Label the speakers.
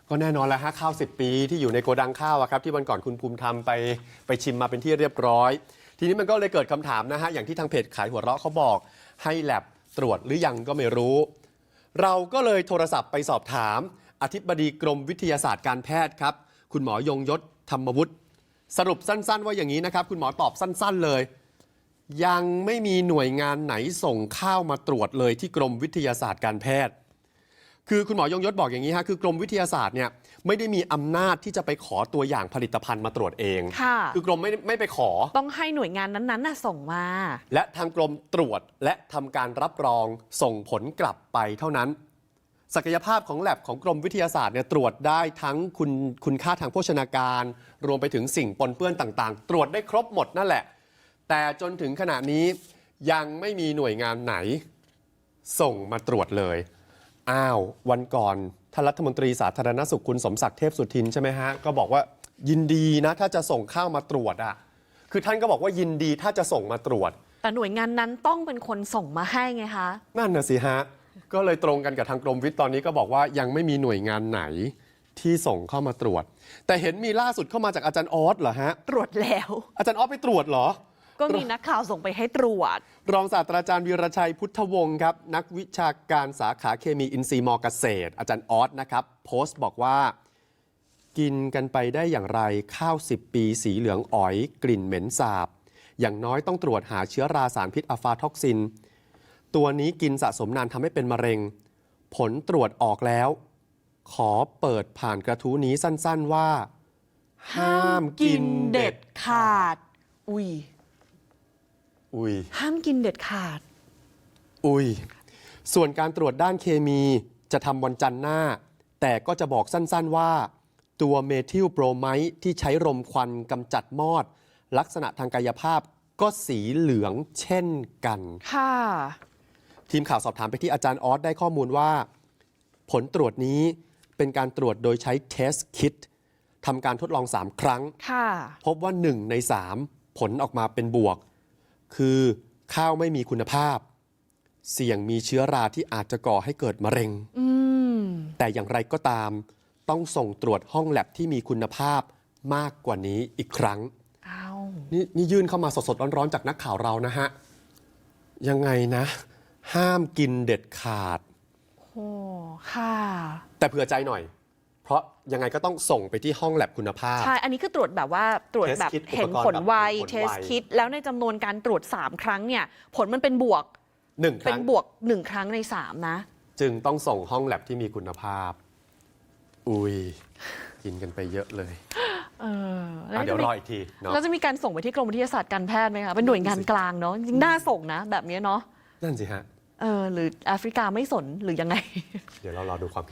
Speaker 1: ก็แน่นอนแล้วฮะข้าว10 ปีที่อยู่ในโกดังข้าวอะครับที่วันก่อนคุณภูมิธรรมไปชิมมาเป็นที่เรียบร้อย ทีนี้มันก็เลยเกิดคำถามนะฮะอย่างที่ทางเพจขายหัวเราะเขาบอกให้แลบตรวจหรือยังก็ไม่รู้ เราก็เลยโทรศัพท์ไปสอบถามอธิบดีกรมวิทยาศาสตร์การแพทย์ครับคุณหมอยงยศธรรมวุฒิสรุปสั้นๆว่าอย่างนี้นะครับคุณหมอตอบสั้นๆเลยยังไม่มีหน่วยงานไหนส่งข้าวมาตรวจเลยที่กรมวิทยาศาสตร์การแพทย์คือคุณหมอยงยศบอกอย่างนี้ฮะคือกรมวิทยาศาสตร์เนี่ยไม่ได้มีอำนาจที่จะไปขอตัวอย่างผลิตภัณฑ์มาตรวจเองคือกรมไม่ไปขอ
Speaker 2: ต้องให้หน่วยงานนั้นๆส่งมา
Speaker 1: และทางกรมตรวจและทำการรับรองส่งผลกลับไปเท่านั้นศักยภาพของแลบของกรมวิทยาศาสตร์เนี่ยตรวจได้ทั้งคุณค่าทางโภชนาการรวมไปถึงสิ่งปนเปื้อนต่างๆตรวจได้ครบหมดนั่นแหละแต่จนถึงขณะนี้ยังไม่มีหน่วยงานไหนส่งมาตรวจเลยวันก่อนท่านรัฐมนตรีสาธารณสุขคุณสมศักดิ์เทพสุทินใช่ไหมฮะก็บอกว่ายินดีนะถ้าจะส่งข้าวมาตรวจคือท่านก็บอกว่ายินดีถ้าจะส่งมาตรวจ
Speaker 2: แต่หน่วยงานนั้นต้องเป็นคนส่งมาให้ไงคะ
Speaker 1: นั่นน่ะสิฮะก็เลยตรงกันกับทางกรมวิทย์ตอนนี้ก็บอกว่ายังไม่มีหน่วยงานไหนที่ส่งเข้ามาตรวจแต่เห็นมีล่าสุดเข้ามาจากอาจารย์ออสเหรอฮะ
Speaker 2: ตรวจแล้ว
Speaker 1: อาจารย์ออสไปตรวจเหรอ
Speaker 2: ก็มีนักข่าวส่งไปให้ตรวจ
Speaker 1: รองศาสตราจารย์วีรชัยพุทธวงศ์ครับนักวิชาการสาขาเคมีอินทรีย์มเกษตรอาจารย์ออสนะครับโพสต์บอกว่ากินกันไปได้อย่างไรข้าว10 ปีสีเหลืองอ๋อยกลิ่นเหม็นสาบอย่างน้อยต้องตรวจหาเชื้อราสารพิษอะฟาท็อกซินตัวนี้กินสะสมนานทำให้เป็นมะเร็งผลตรวจออกแล้วขอเปิดผ่านกระทู้นี้สั้นๆว่าห้ามกินเด็ดขาด
Speaker 2: ห้ามกินเด็ดขาด
Speaker 1: ส่วนการตรวจด้านเคมีจะทำวันจันทร์หน้าแต่ก็จะบอกสั้นๆว่าตัวเมทิลโบรไมด์ที่ใช้รมควันกำจัดมอดลักษณะทางกายภาพก็สีเหลืองเช่นกัน
Speaker 2: ค่ะ
Speaker 1: ทีมข่าวสอบถามไปที่อาจารย์ออสได้ข้อมูลว่าผลตรวจนี้เป็นการตรวจโดยใช้เทสคิททำการทดลอง3 ครั้งพบว่า1 ใน 3ผลออกมาเป็นบวกคือข้าวไม่มีคุณภาพเสี่ยงมีเชื้อราที่อาจจะก่อให้เกิดมะเร็งแต่อย่างไรก็ตามต้องส่งตรวจห้องแลบที่มีคุณภาพมากกว่านี้อีกครั้งนี่ยื่นเข้ามาสดๆร้อนๆจากนักข่าวเรานะฮะยังไงนะห้ามกินเด็ดขาดแต่เผื่อใจหน่อยเพราะยังไงก็ต้องส่งไปที่ห้องแลบคุณภาพ
Speaker 2: ใช่อันนี้คือตรวจแบบว่าตรวจแบบเห็นผลไวเทสคิดแล้วในจำนวนการตรวจ3 ครั้งเนี่ยผลมันเป็นบวก
Speaker 1: 1 ครั้ง
Speaker 2: เป็นบวก1 ครั้งใน3นะ
Speaker 1: จึงต้องส่งห้องแลบที่มีคุณภาพกินกันไปเยอะเลยเดี๋ยวรออีกทีเนาะ
Speaker 2: แล้วจะมีการส่งไปที่กรมวิทยาศาสตร์การแพทย์ไหมคะเป็นหน่วยงานกลางเนาะจริงน่าส่งนะแบบนี้เนาะ
Speaker 1: นั่นสิฮะ
Speaker 2: หรือแอฟริกาไม่สนหรือยังไง
Speaker 1: เดี๋ยวเรารอดูความ